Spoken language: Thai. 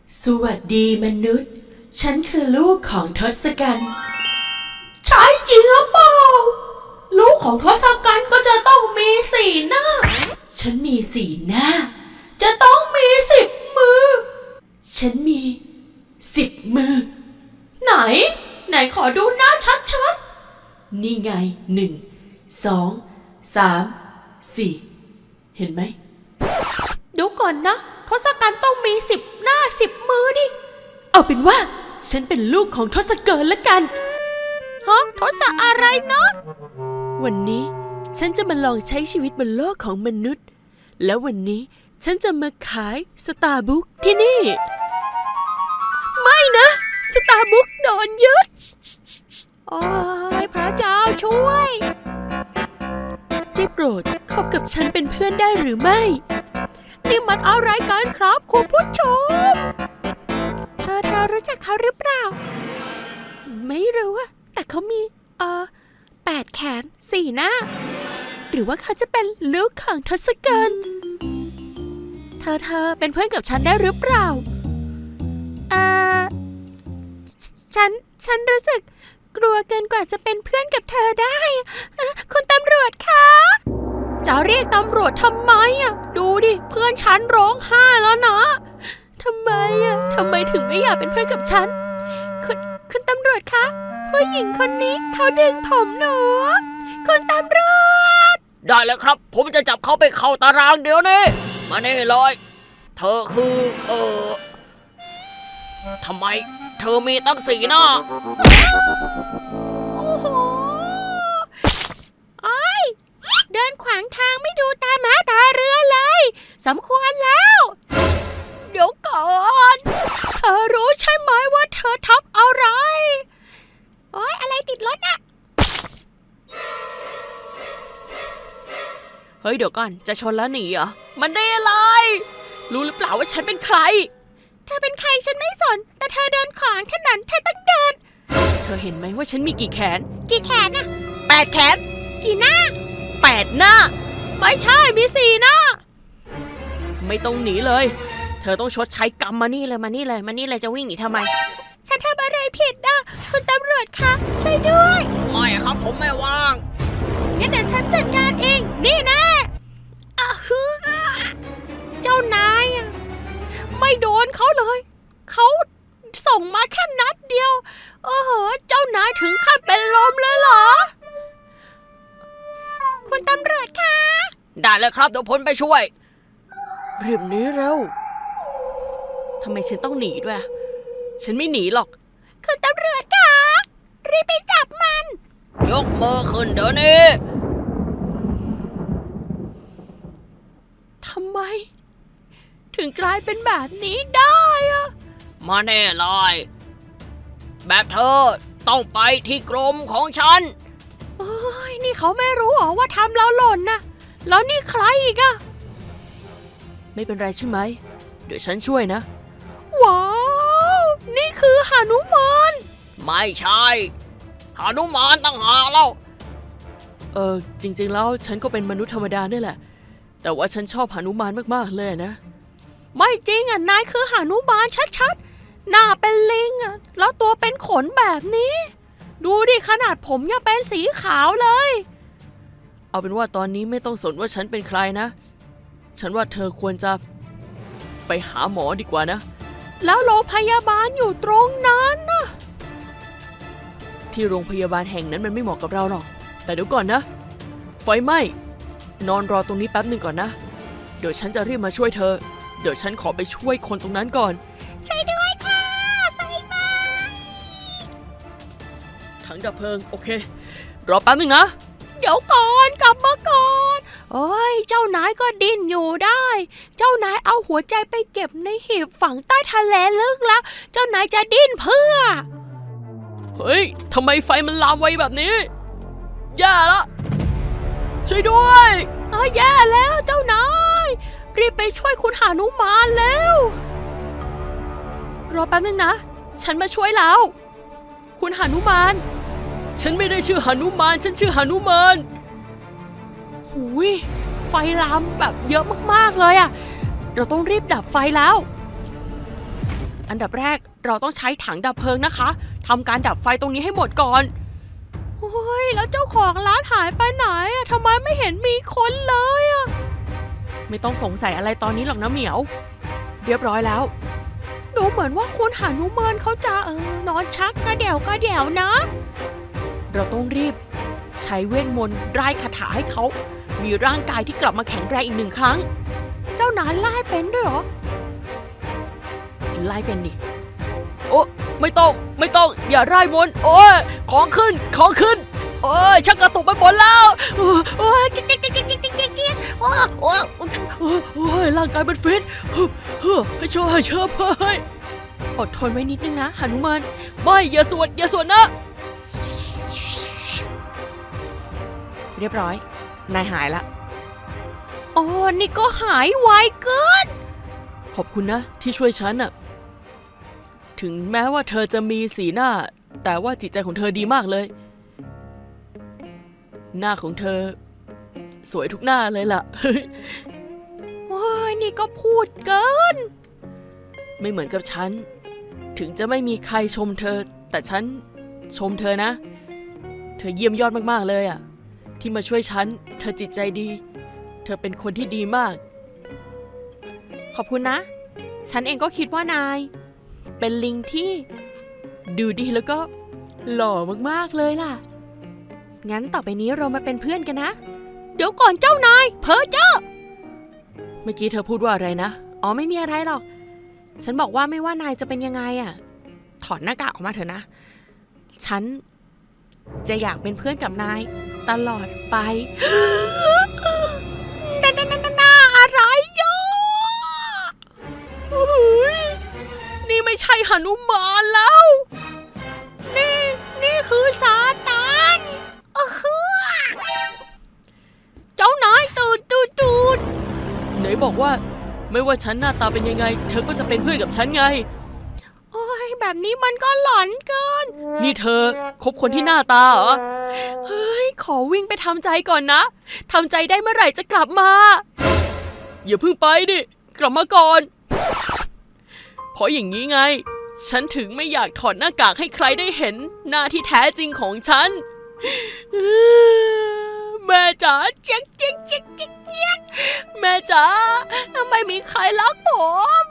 สวัสดีมนุษย์ ฉันคือลูกของทศกัณฐ์ใช่จริงหรือเปล่าลูกของทศกัณฐ์ก็จะต้องมีสี่หน้า ฉันมีสี่หน้า จะต้องมี10 มือ ฉันมี10 มือ ไหนขอดูหน้าชัดๆนี่ไง1 2 3 4เห็นไหมดูก่อนนะทศกัณฐ์ต้องมี10 หน้า10 มือดิเอาเป็นว่าฉันเป็นลูกของทศกัณฐ์ละกันฮะทศอะไรเนาะวันนี้ฉันจะมาลองใช้ชีวิตบนโลกของมนุษย์แล้ววันนี้ฉันจะมาขายสตาร์บุ๊กที่นี่ไม่นะสตาร์บุ๊กโดนยึดโอ้ยพระเจ้าช่วยได้โปรดคบกับฉันเป็นเพื่อนได้หรือไม่นี่มันอะไรกันครับคุณผู้ชมเธอรู้จักเขาหรือเปล่าไม่รู้อะแต่เขามี8 แขน 4 หน้าหรือว่าเขาจะเป็นลูกของทศกัณฐ์เธอเป็นเพื่อนกับฉันได้หรือเปล่าฉันรู้สึกกลัวเกินกว่าจะเป็นเพื่อนกับเธอได้คุณตำรวจคะจะเรียกตำรวจทำไมอะดูดิเพื่อนฉันร้องไห้แล้วนะทำไมถึงไม่อยากเป็นเพื่อนกับฉันคุณตำรวจคะผู้หญิงคนนี้เขาดึงผมหนูคุณตำรวจได้เลยครับผมจะจับเขาไปเข้าตารางเดี๋ยวนี้มานี่เลยเธอคือทำไมเธอมีตั้ง4 หน้าโอ้โหเดินขวางทางไม่ดูตาม้าตาเรือเลยสมควรแล้วเดี๋ยวก่อนเธอรู้ใช่ไหมว่าเธอทับอะไรอะไรติดรถอะเฮ้ยเดี๋ยวก่อนจะชนแล้วหนีเหรอมันได้อะไรรู้หรือเปล่าว่าฉันเป็นใครเธอเป็นใครฉันไม่สนแต่เธอเดินขวางถนนเธอต้องเดินเธอเห็นไหมว่าฉันมีกี่แขนอะ8 แขนกี่หน้า8 หน้าไม่ใช่มี4 หน้าไม่ต้องหนีเลยเธอต้องชดใช้กรรมมานี่เลยจะวิ่งหนีทำไมฉันทำอะไรผิดนะคุณตำรวจคะช่วยด้วยไม่ครับผมไม่ว่างงั้นเดี๋ยวฉันจัดการเองนี่นะเจ้านายไม่โดนเขาเลยเขาส่งมาแค่นัดเดียวเจ้านายถึงขั้นเป็นลมเลยเหรอคุณตำรวจคะได้เลยครับเดี๋ยวผมไปช่วยรีบหนีเร็วทำไมฉันต้องหนีด้วยฉันไม่หนีหรอกคุณตำรวจคะรีบไปจับมันยกมือขึ้นเดี๋ยวนี้ทำไมถึงกลายเป็นแบบนี้ได้อะมาแน่เลยแบบเธอต้องไปที่กรมของฉันนี่เขาไม่รู้หรอว่าทำเราหล่นนะแล้วนี่ใครอีกอะไม่เป็นไรใช่ไหมเดี๋ยวฉันช่วยนะว้าวนี่คือหนุมานไม่ใช่หนุมานต่างหากแล้วจริงๆแล้วฉันก็เป็นมนุษย์ธรรมดานี่แหละแต่ว่าฉันชอบหนุมานมากๆเลยนะไม่จริงนายคือหนุมานชัดๆหน้าเป็นลิงแล้วตัวเป็นขนแบบนี้ดูดิขนาดผมยังเป็นสีขาวเลยเอาเป็นว่าตอนนี้ไม่ต้องสนว่าฉันเป็นใครนะฉันว่าเธอควรจะไปหาหมอดีกว่านะแล้วโรงพยาบาลอยู่ตรงนั้นนะที่โรงพยาบาลแห่งนั้นมันไม่เหมาะกับเราหรอกแต่เดี๋ยวก่อนนะไฟไหม้นอนรอตรงนี้แป๊บหนึ่งก่อนนะเดี๋ยวฉันจะรีบมาช่วยเธอเดี๋ยวฉันขอไปช่วยคนตรงนั้นก่อนช่วยด้วยค่ะไฟไหม้ถังดับเพลิงโอเครอแป๊บหนึ่งนะเดี๋ยวก่อนกลับมาก่อนเจ้านายก็ดิ้นอยู่ได้เจ้านายเอาหัวใจไปเก็บในหีบฝังใต้ทะเลลึกแล้วเจ้านายจะดิ้นเพื่อเฮ้ยทำไมไฟมันลามไวแบบนี้แย่ละช่วยด้วยแย่แล้วเจ้านายรีบไปช่วยคุณหนุมานแล้วรอแป๊บนึงนะฉันมาช่วยแล้วคุณหนุมานฉันไม่ได้ชื่อหนุมานฉันชื่อหนุมานหูยไฟลามแบบเยอะมากๆเลยเราต้องรีบดับไฟแล้วอันดับแรกเราต้องใช้ถังดับเพลิงนะคะทำการดับไฟตรงนี้ให้หมดก่อนโอ้ยแล้วเจ้าของร้านหายไปไหนอะทำไมไม่เห็นมีคนเลยอะไม่ต้องสงสัยอะไรตอนนี้หรอกนะเหมียวเรียบร้อยแล้วดูเหมือนว่าคุณหานุมานเขาจะนอนชักกระเดี่ยวนะเราต้องรีบใช้เวทมนต์ไล่คาถาให้เขามีร่างกายที่กลับมาแข็งแรงอีก1 ครั้งเจ้านายไล่เป็นด้วยเหรอไล่เป็นดิโอ้ไม่ต้องอย่าไล่มนต์โอ้ยของขึ้นโอ้ยชักกระตุกไปหมดแล้วโอ้ยจิ๊กโอ้ยร่างกายมันฟิตให้ช่วยเชื่อเพื่อนอดทนไว้นิดนึงนะหนุมานไม่อย่าสวดนะเรียบร้อยนายหายละอ๋อนี่ก็หายไวเกินขอบคุณนะที่ช่วยฉันน่ะถึงแม้ว่าเธอจะมีสีหน้าแต่ว่าจิตใจของเธอดีมากเลยหน้าของเธอสวยทุกหน้าเลยล่ะ ว้ายนี่ก็พูดเกินไม่เหมือนกับฉันถึงจะไม่มีใครชมเธอแต่ฉันชมเธอนะเธอเยี่ยมยอดมากๆเลยอ่ะที่มาช่วยฉันเธอจิตใจดีเธอเป็นคนที่ดีมากขอบคุณนะฉันเองก็คิดว่านายเป็นลิงที่ดูดีแล้วก็หล่อมากๆเลยล่ะงั้นต่อไปนี้เรามาเป็นเพื่อนกันนะเดี๋ยวก่อนเจ้านายเพ้อเจ้อเมื่อกี้เธอพูดว่าอะไรนะอ๋อไม่มีอะไรหรอกฉันบอกว่าไม่ว่านายจะเป็นยังไงอ่ะถอดหน้ากากออกมาเถอะนะฉันจะอยากเป็นเพื่อนกับนายตลอดไปน่าอะไรย่อนี่ไม่ใช่หนุมานแล้วนี่คือซาตานเจ้านายตื่นไหนบอกว่าไม่ว่าฉันหน้าตาเป็นยังไงเธอก็จะเป็นเพื่อนกับฉันไงโอ้ยแบบนี้มันก็หลอนเกินนี่เธอคบคนที่หน้าตาเหรอเฮ้ยขอวิ่งไปทำใจก่อนนะทำใจได้เมื่อไหร่จะกลับมาอย่าเพิ่งไปดิกลับมาก่อนเพราะอย่างนี้ไงฉันถึงไม่อยากถอดหน้ากากให้ใครได้เห็นหน้าที่แท้จริงของฉันแม่จ๋าเจ๊กแม่จ๋าไม่มีใครรักผม